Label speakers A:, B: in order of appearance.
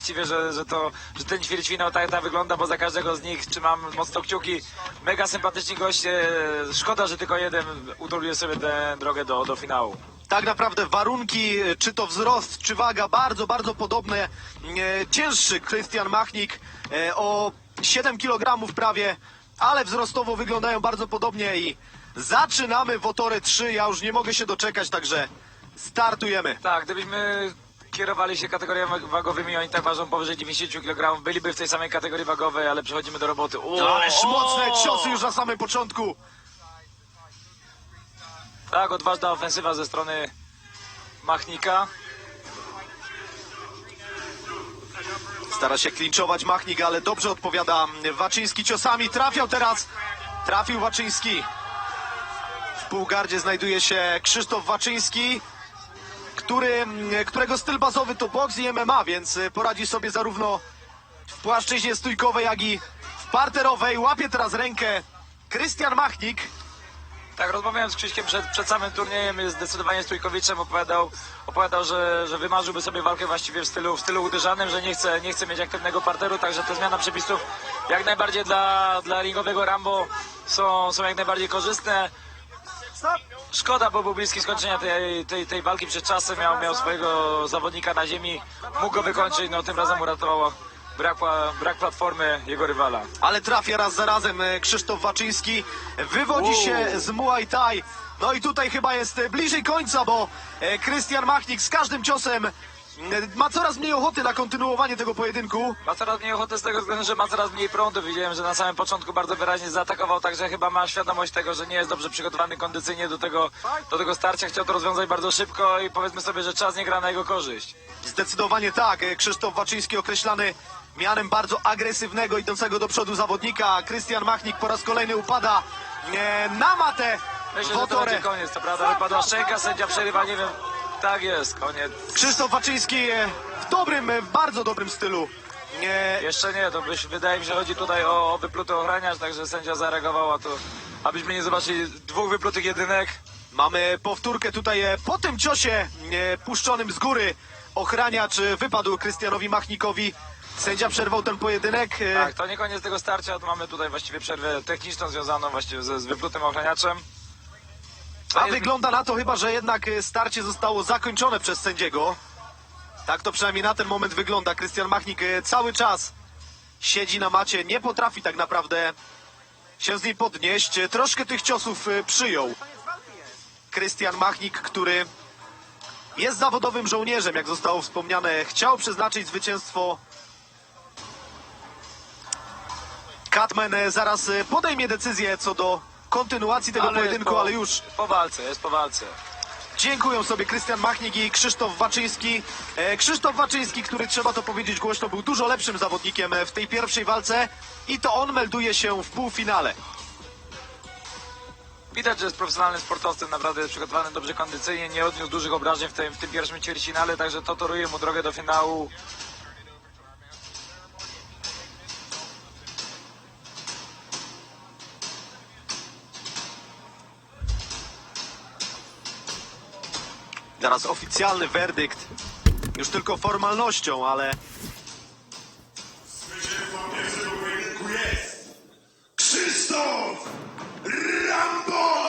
A: Właściwie, że ten ćwierćfinał tak wygląda, bo za każdego z nich trzymam mocno kciuki. Mega sympatyczni goście. Szkoda, że tylko jeden utrudnił sobie tę drogę do finału.
B: Tak naprawdę warunki, czy to wzrost, czy waga, bardzo, bardzo podobne. Cięższy Krystian Machnik o 7 kg prawie, ale wzrostowo wyglądają bardzo podobnie i zaczynamy Wotory 3. Ja już nie mogę się doczekać, także startujemy.
A: Tak, gdybyśmy kierowali się kategoriami wagowymi, oni tak ważą powyżej 90 kg, byliby w tej samej kategorii wagowej, ale przechodzimy do roboty.
B: Ależ mocne ciosy już na samym początku.
A: Tak, odważna ofensywa ze strony Machnika.
B: Stara się klinczować Machnik, ale dobrze odpowiada Waczyński ciosami. Trafił Waczyński. W półgardzie znajduje się Krzysztof Waczyński, którego styl bazowy to boks i MMA, więc poradzi sobie zarówno w płaszczyźnie stójkowej, jak i w parterowej. Łapie teraz rękę Krystian Machnik.
A: Tak, rozmawiałem z Krzyśkiem przed samym turniejem, jest zdecydowanie stójkowiczem, opowiadał, że wymarzyłby sobie walkę właściwie w stylu uderzanym, że nie chce mieć aktywnego parteru, także te zmiany przepisów jak najbardziej dla ringowego Rambo są jak najbardziej korzystne. Szkoda, bo był bliski skończenia tej walki przed czasem, miał swojego zawodnika na ziemi, mógł go wykończyć, no tym razem uratował brak platformy jego rywala.
B: Ale trafia raz za razem Krzysztof Waczyński, wywodzi się z Muay Thai. No i tutaj chyba jest bliżej końca, bo Krystian Machnik z każdym ciosem ma coraz mniej ochoty na kontynuowanie tego pojedynku.
A: Ma coraz mniej ochoty z tego względu, że ma coraz mniej prądu. Widziałem, że na samym początku bardzo wyraźnie zaatakował, także chyba ma świadomość tego, że nie jest dobrze przygotowany kondycyjnie do tego starcia. Chciał to rozwiązać bardzo szybko i powiedzmy sobie, że czas nie gra na jego korzyść.
B: Zdecydowanie tak. Krzysztof Waczyński określany mianem bardzo agresywnego, idącego do przodu zawodnika. Krystian Machnik po raz kolejny upada na matę.
A: Myślę, że to będzie koniec, to prawda, wypadła szczęka, sędzia przerywa, nie wiem. Tak jest, koniec.
B: Krzysztof Waczyński w bardzo dobrym stylu.
A: Jeszcze nie, wydaje mi się, że chodzi tutaj o wypluty ochraniacz, także sędzia zareagował, abyśmy nie zobaczyli dwóch wyplutych jedynek.
B: Mamy powtórkę tutaj po tym ciosie puszczonym z góry. Ochraniacz wypadł Krystianowi Machnikowi. Sędzia przerwał ten pojedynek.
A: Tak, to nie koniec tego starcia, mamy tutaj właściwie przerwę techniczną związaną właściwie z wyplutym ochraniaczem.
B: A wygląda na to chyba, że jednak starcie zostało zakończone przez sędziego. Tak to przynajmniej na ten moment wygląda. Krystian Machnik cały czas siedzi na macie, nie potrafi tak naprawdę się z niej podnieść. Troszkę tych ciosów przyjął. Krystian Machnik, który jest zawodowym żołnierzem, jak zostało wspomniane, chciał przeznaczyć zwycięstwo. Katman zaraz podejmie decyzję co do kontynuacji tego pojedynku, ale już
A: jest po walce.
B: dziękują sobie Krystian Machnik i Krzysztof Waczyński. Krzysztof Waczyński, który trzeba to powiedzieć głośno, był dużo lepszym zawodnikiem w tej pierwszej walce i to on melduje się w półfinale.
A: Widać, że jest profesjonalnym sportowcem, naprawdę jest przygotowany dobrze kondycyjnie, nie odniósł dużych obrażeń w tym pierwszym ćwierćfinale, także to toruje mu drogę do finału.
B: Zaraz oficjalny werdykt, już tylko formalnością, ale
C: Zwycięzcą pierwszego pojedynku jest Krzysztof Rambo!